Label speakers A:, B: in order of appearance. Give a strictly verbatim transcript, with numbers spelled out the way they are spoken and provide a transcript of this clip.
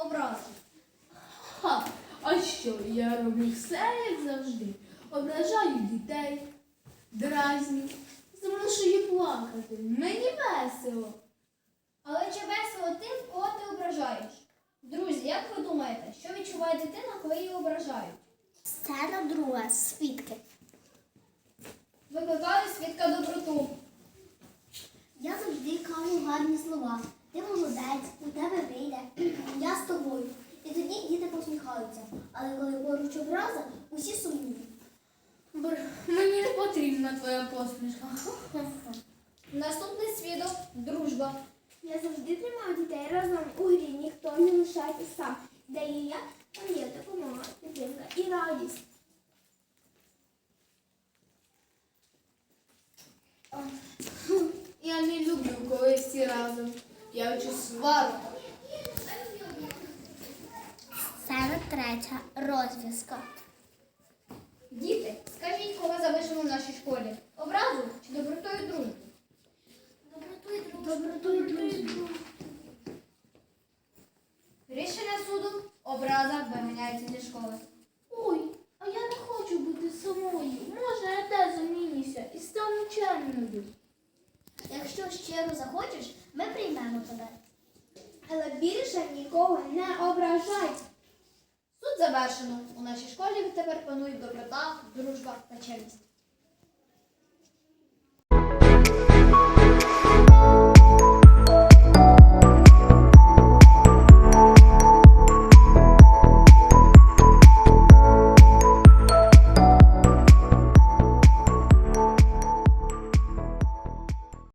A: образи.
B: Ха, а що, я роблю все, як завжди. Ображаю дітей, дразню, змушую плакати. Мені весело.
A: Але чи весело тим, кого ти ображаєш? Друзі, як ви думаєте, що відчуває дитина, коли її ображають?
C: Сцена друга. Свідки.
A: Викликали свідка доброту.
C: Я завжди кажу гарні слова. Ти молодець, у тебе вийде. Я з тобою. І тоді діти посміхаються. Але коли поруч образа, усі сумні.
B: Бр, мені не потрібна твоя посмішка.
A: Наступний свідок – дружба.
C: Я завжди тримаю дітей разом у грі, ніхто не лишається сам. Де є я, там є допомога, підтримка і радість.
B: Я не люблю, коли всі разом. Я хочу сварку.
C: Сцена третя. Розв'язка.
A: Діти, скажіть, кого залишили в нашій школі? Образу чи добротою дружбу?
C: Добротою дружбу.
A: Рішення суду – образа виганяється зі школи.
B: Ой, а я не хочу бути самою. Може, я теж замінюся і стану чемною.
C: Якщо щиро захочеш, ми приймемо тебе.
A: Але більше нікого не ображай. Суд завершено. У нашій школі відтепер панують доброта, дружба та чесність.